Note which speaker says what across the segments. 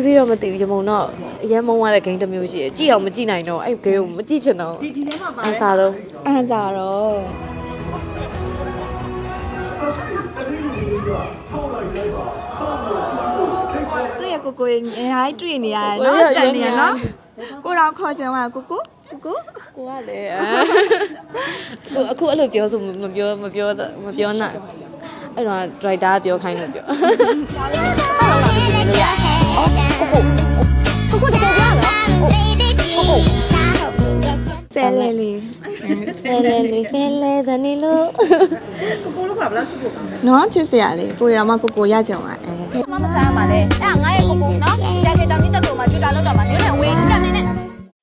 Speaker 1: ပြီးတော့မသိဘူးရမုံတော့အရင်မုံရတဲ့ game တစ်မျိုးရှိတယ်ကြည့်အောင်မကြည့်နိုင်တော့အဲ့ game ကိုမကြည့်ချင်တော့ဒီထဲမှာပါတယ်အန်စာတော့
Speaker 2: သူရဲ့ကိုရင်အားတွေ့နေရတယ်နော်ကြံနေရနော်ကိုတော့ခေါ်ချင်ပါကို
Speaker 1: ကလည်းအခုအဲ့လိုပြောဆိုမပြောနိုင်အဲ့တော့ driver ပြောခိုင်းလို့ပြော
Speaker 2: ဆဲလေလေ
Speaker 1: ဒါနေလို့
Speaker 3: ကိုလို့ခေါ်ဘယ်လောက်ချစ်ဖို့ကောင်းလဲ
Speaker 2: နော်ချစ်စရာလေကိုရမကိုရကြအောင်
Speaker 3: မမစားပါလေအဲ့ငါရဲ့ကိုနော်ကြာကြာတောင်ကြီးတက်ကိုမှကြွတာလောက်တော့မှမျိုးနဲ့ဝေးကြနေနဲ့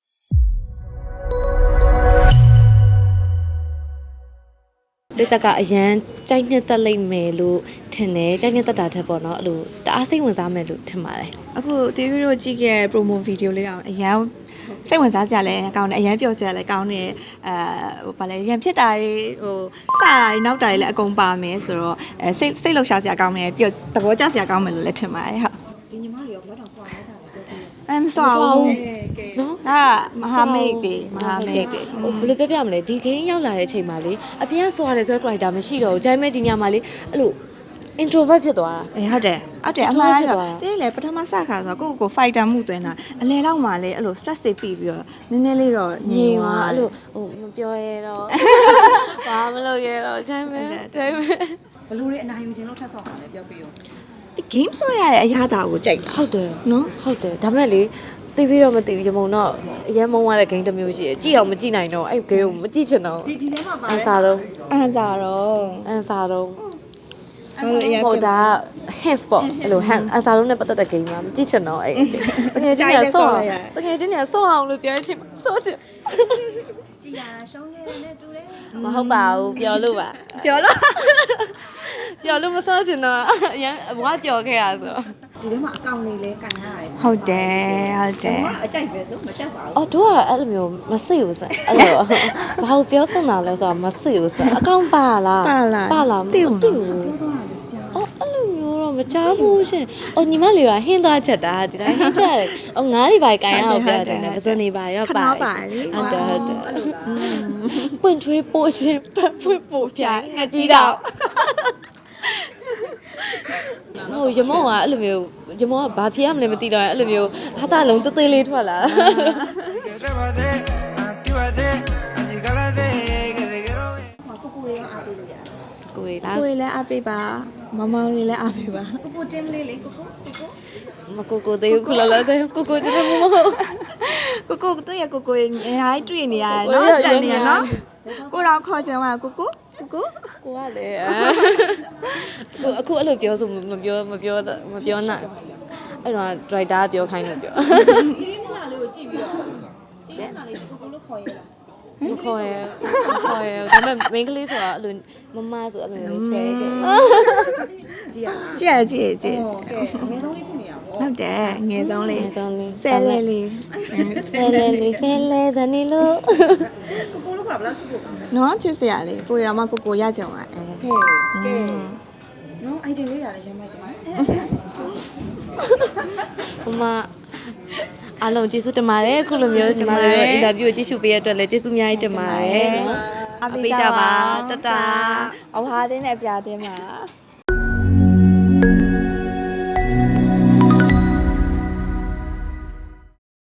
Speaker 1: လေတကအရန်ကြိုက်နှစ်သက်လိုက်မယ်လို့ထင်တယ်ကြိုက်နှစ်သက်တာထက်ပေါ့နော်အဲ့လိုတအားစိတ်ဝင်စားမယ်လို့ထင်ပါတယ်
Speaker 2: အခု TV တို့ကြည့်ခဲ့ promo video လေးတော့အရန်စိတ်ဝင်စားကြလဲကောင်းတယ်အရန်ပျော်ကြလဲကောင်းတယ်ဘာလဲရန်ဖြစ်တာတွေစတာတွေနောက်တာတွေလည်းအကုန်ပါမယ်ဆိုတော့စိတ်လှုပ်ရှားစရာကောင်းတယ်ပျော်သဘောကျစရာကောင်းမယ်လို့လည်းထင်ပါတယ်ဟုတ်
Speaker 3: ဒီညီမတွေရောဘယ်တော့ဆွာလဲကြတယ်ပြောပြ
Speaker 2: မဆွာဘူးနော်ဒါမဟာမိတ်တွေ
Speaker 1: ဟိုဘယ်လိုပြောပြမလဲဒီ game ရောက်လာတဲ့အချိန်မှာလေအပြင်ဆွာတယ်ဆိုတဲ့ character မရှိတော့ဘူးဒါပေမဲ့ဒီညမှာလေအဲ့လိုintrovert ဖြစ်သွား
Speaker 2: တာဟုတ်တယ်အမှန်တိုင်းဆိုတင်းလေပထမစခါဆိုကို fighter မှုသွင်းတာအလဲတော့မှလေအဲ့လို stress တွေပြီးပြီးတော့နည်းနည်းလေးတော့
Speaker 1: ညင်သွားအဲ့လိုမပြောရတော့ဘာမလုပ်ရတော့ဒါပေမဲ့
Speaker 3: ဘလူတွေအနိုင်ယူခြင်းလို့ထပ်ဆော့ပါလေပြောပြရော
Speaker 2: game ဆွဲရတဲ့အရာတာကိုကြိုက်
Speaker 1: ဟုတ်တယ်
Speaker 2: နော်
Speaker 1: ဟုတ်တယ်ဒါပေမဲ့လေသိပြီးတော့မသိဘူးရမုံတော့အရင်မုံရတဲ့ game တစ်မျိုးရှိတယ်ကြည့်အောင်မကြည့်နိုင်တော့အဲ့ game ကိုမကြည့်ချင်တော့
Speaker 3: ဒီထဲမှာပါတယ်
Speaker 1: အန်စာတော့ဟုတ်တာ hands ပေါ့အဲ့လို hand အန်စာလုံးနဲ့ပတ်သက်တဲ့ game မှာမကြည့်ချင်တော့အဲ့တကယ်ချင်းเนี่ยဆော့အောင်လို့ပြောချင်ဆော့ချင်
Speaker 3: ကြည်ရရှုံးခဲ့တဲ့တူတယ်
Speaker 1: မဟုတ်ပါဘူးပြောလို့မဆော့ချင်တော့အရင်ဘွားပြောခဲ့ရဆို
Speaker 3: ဒီထဲမှာအကောင့်လေးလဲကန်ရတယ်
Speaker 2: ဟုတ်တယ်
Speaker 3: အကြိုက်ပဲဆိုမကြက်ပါဘူး
Speaker 1: တို့ကအဲ့လိုမျိုးမစိတ်ဘူးစအဲ့လိုဘာလို့ပြောစမ်းတာလဲဆိုတော့မစိတ်ဘူးစအကောင့်ပါလား
Speaker 2: မသိဘူး
Speaker 1: အဲ့လိုမျိုးတော့မကြားဘူးရှင်ညီမလေးကဟင်းသွားချက်တာဒီတိုင်းဟင်းချက်တယ်ငါးတွေပါကိုင်ရအောင်ပြောတယ်ပဇွန်တွေပါရောပါဟုတ်တယ်ပွင့်ထွေးပိုးရှင်ပတ်ဖွင့်ပို့ပြငါကြည့်တော့ရမောကအဲ့လိုမျိုးရမောကဘာဖြစ်ရမလဲမသိတော့အဲ့လိုမျိုးဟာတာလုံးသေးသေးလေးထွက်လာ
Speaker 3: ကို
Speaker 1: တွေ
Speaker 2: လားကိုတွေလည်းအားပေးပါမမောင်တွေလည်းအားပေးပါ
Speaker 3: ကိုတင်းလေးလေကို
Speaker 1: ကိုသေးခုလောလောသေးကိုကျတော့မဟုတ်
Speaker 2: ကိုသူရဲ့ကိုရင်အားတွေ့နေရတယ်နော်ကြံနေရနော်ကိုတော့ခေါ်ချင်ပါကိုကလည်း
Speaker 1: အခုအဲ့လိုပြောဆိုမပြောနိုင်အဲ့တော့ driver ပြောခိုင်းလို့ပြော
Speaker 3: ဒီနေ့မလာလေးကိုကြည့်ပြီးတော့ရှင်းလာလေးကိုလို့ခေါ်ရလား
Speaker 1: မခေါ်ရဒါပေမဲ့ main ကလေးဆိုတာအဲ့လိုမဆိုအဲ့လိုမျိုးချဲကြည့်
Speaker 2: ကဲငယ်ဆုံးလေးဖြစ်
Speaker 3: နေတာပေါ့
Speaker 2: ဟုတ်တယ်ငယ်ဆုံးလေးဆဲလေ
Speaker 1: ဒါနေလို့
Speaker 3: ကိုလို့ခေါ်ဘယ်လောက်ချစ်ဖို့ကောင်းလဲ
Speaker 2: နော်ချစ်စရာလေကိုရမကိုရကြအောင်ကဲ
Speaker 3: နော်အိုက်ဒီလေးရတယ်ရမ်းမိုက်တယ်
Speaker 1: မအားလုံးကျေးဇူးတင်ပါတယ်အခုလိုမျိုးညီမတို့ရဲ့အင်တာဗျူးကိုကြည့်ရှုပေးရတဲ့အတွက်လည်းကျေးဇူးအများကြီးတင်ပါတယ်နော်
Speaker 2: အပေးကြပါတတအဝါသင်းနဲ့ပြားသင်းပါ